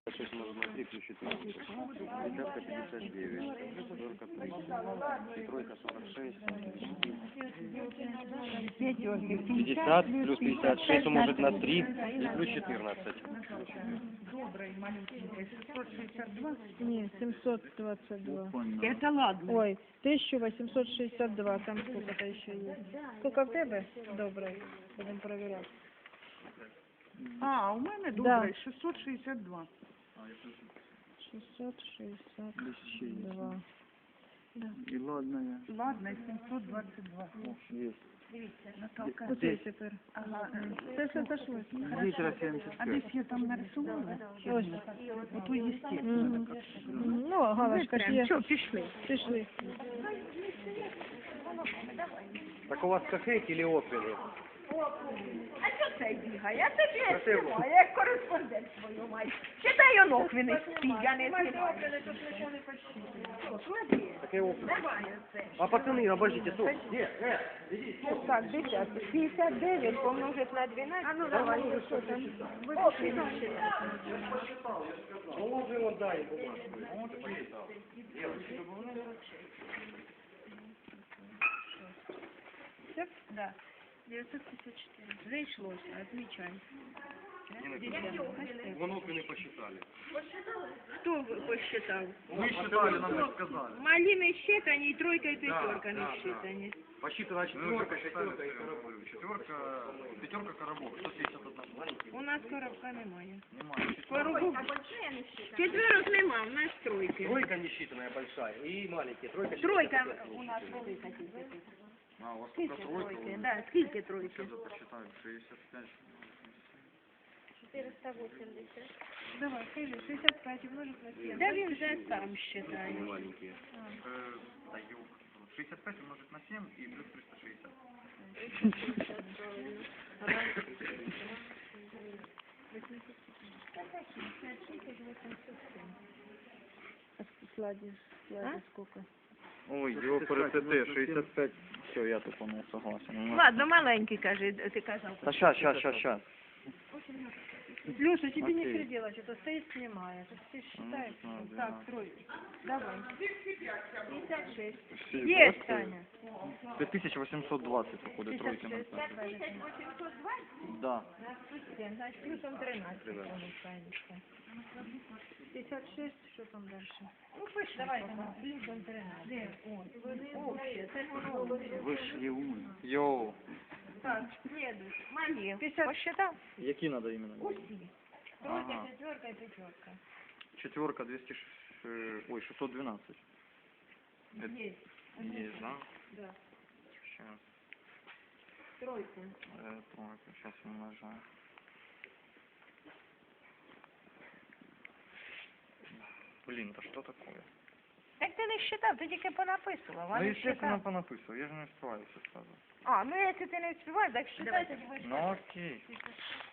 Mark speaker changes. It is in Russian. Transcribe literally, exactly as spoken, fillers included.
Speaker 1: шесть может на три плюс четырнадцать. Десятка пятьдесят девять. Пятерка тридцать. Тройка сорок шесть. Пятьдесят плюс пятьдесят шесть умножить на три и плюс четырнадцать.
Speaker 2: Добрый, маленький. шестьсот шестьдесят два?
Speaker 3: Не, семьсот двадцать два.
Speaker 2: Это ладно.
Speaker 3: Ой, тысяча восемьсот шестьдесят два, там сколько-то еще есть. Сколько в тебе? Добрый. Будем проверять.
Speaker 2: А, у мене
Speaker 3: Да.
Speaker 2: добрий, шестьсот шестьдесят два.
Speaker 3: шестьсот шестьдесят два. Да.
Speaker 1: И ладно,
Speaker 2: Ладно, семьсот двадцать два.
Speaker 1: есть.
Speaker 2: Наталка.
Speaker 3: Куди тепер?
Speaker 2: Ага.
Speaker 3: Це все сошло.
Speaker 1: Литра семьдесят
Speaker 2: А десь я там нарисувала?
Speaker 3: Ось.
Speaker 2: Ото естественно.
Speaker 3: Мгм. Ну, галочка ж є.
Speaker 2: Що, пішли?
Speaker 3: Пішли.
Speaker 1: Так у вас кафе или опели?
Speaker 4: А що це бігає? Я тобі знімаю, як кореспондент свою маю. Читай оноквини спі, я не знімаю.
Speaker 1: Какие опели?
Speaker 4: Давай оце.
Speaker 1: А пацаны, обождите, тут. Нет, нет, иди.
Speaker 4: Так, десять. п'ятдесят дев'ять помножить на дванадцять. А ну давай, що там?
Speaker 1: Положи его, дай бумажку.
Speaker 4: Да. девятьсот пятьдесят четыре. Зайшлося, отмечай.
Speaker 1: Воноквины посчитали.
Speaker 4: Хто посчитав?
Speaker 1: Мы считали, нам не сказали.
Speaker 4: Малины считані, і тройка, і п'ятерка не считані.
Speaker 1: Посчитана четверка, шестерка и коробок. Четверка, пятерка коробок. сто семьдесят один.
Speaker 4: У нас коробка немає.
Speaker 1: Немає.
Speaker 4: Коробок. Четверок нема, у нас тройки.
Speaker 1: Тройка не считанная большая и маленькие. Тройка,
Speaker 4: Тройка у нас велика тільки.
Speaker 1: А, у вас
Speaker 4: Скільки
Speaker 1: только тройка.
Speaker 4: тройки? Да, скільки тройки?
Speaker 1: Сейчас посчитаю. шестьдесят пять.
Speaker 3: Давай, скажи, шестьдесят пять умножить на семь.
Speaker 4: Да він вже сам считає.
Speaker 1: Маленькие.
Speaker 5: Даю шестьдесят пять умножить на семь и плюс триста шестьдесят.
Speaker 3: Слади, слади сколько?
Speaker 5: Ой, его ПРТТ шестьдесят пять. Все, я тупо не согласен.
Speaker 4: Ладно, маленький, каже, ти казав.
Speaker 5: Да сейчас, сейчас, сейчас, сейчас.
Speaker 3: Леша, тебе не
Speaker 5: Окей.
Speaker 3: все делать, это стоит, снимает. Ты считаешь?
Speaker 5: Ну,
Speaker 3: что-
Speaker 5: да.
Speaker 3: Так, тройки. Давай. пятьдесят шесть.
Speaker 5: Есть,
Speaker 3: Есть, Таня.
Speaker 5: пять тысяч восемьсот двадцать, походу, тройки.
Speaker 3: пятьдесят шесть.
Speaker 5: Да.
Speaker 3: семь, значит, плюсом тринадцать получается. пятьдесят шесть, что там дальше? Ну, пусть давай, там, плюсом тринадцать. Общее, це воно.
Speaker 5: Вышли умы. Йоу.
Speaker 4: Так, следующий. Малів.
Speaker 3: пятьдесят.
Speaker 4: Посчитав?
Speaker 5: Какие надо именно?
Speaker 4: Усі.
Speaker 3: Тройка,
Speaker 5: Ага.
Speaker 3: четверка и пятерка.
Speaker 5: Четверка двести, ой, шестьсот двенадцать. Это
Speaker 3: Есть.
Speaker 5: есть, да?
Speaker 3: Да.
Speaker 5: Сейчас.
Speaker 3: Тройка.
Speaker 5: Э, тройка, сейчас умножаю. Блин, это что такое?
Speaker 4: Так ти не считав, ти тільки понаписував, а
Speaker 5: Ну,
Speaker 4: не
Speaker 5: естественно,
Speaker 4: считав.
Speaker 5: понаписал, я же не успеваю все сразу.
Speaker 4: А, ну якщо ти не встигаєш, так считай, тоді будеш.
Speaker 5: Ну, окей.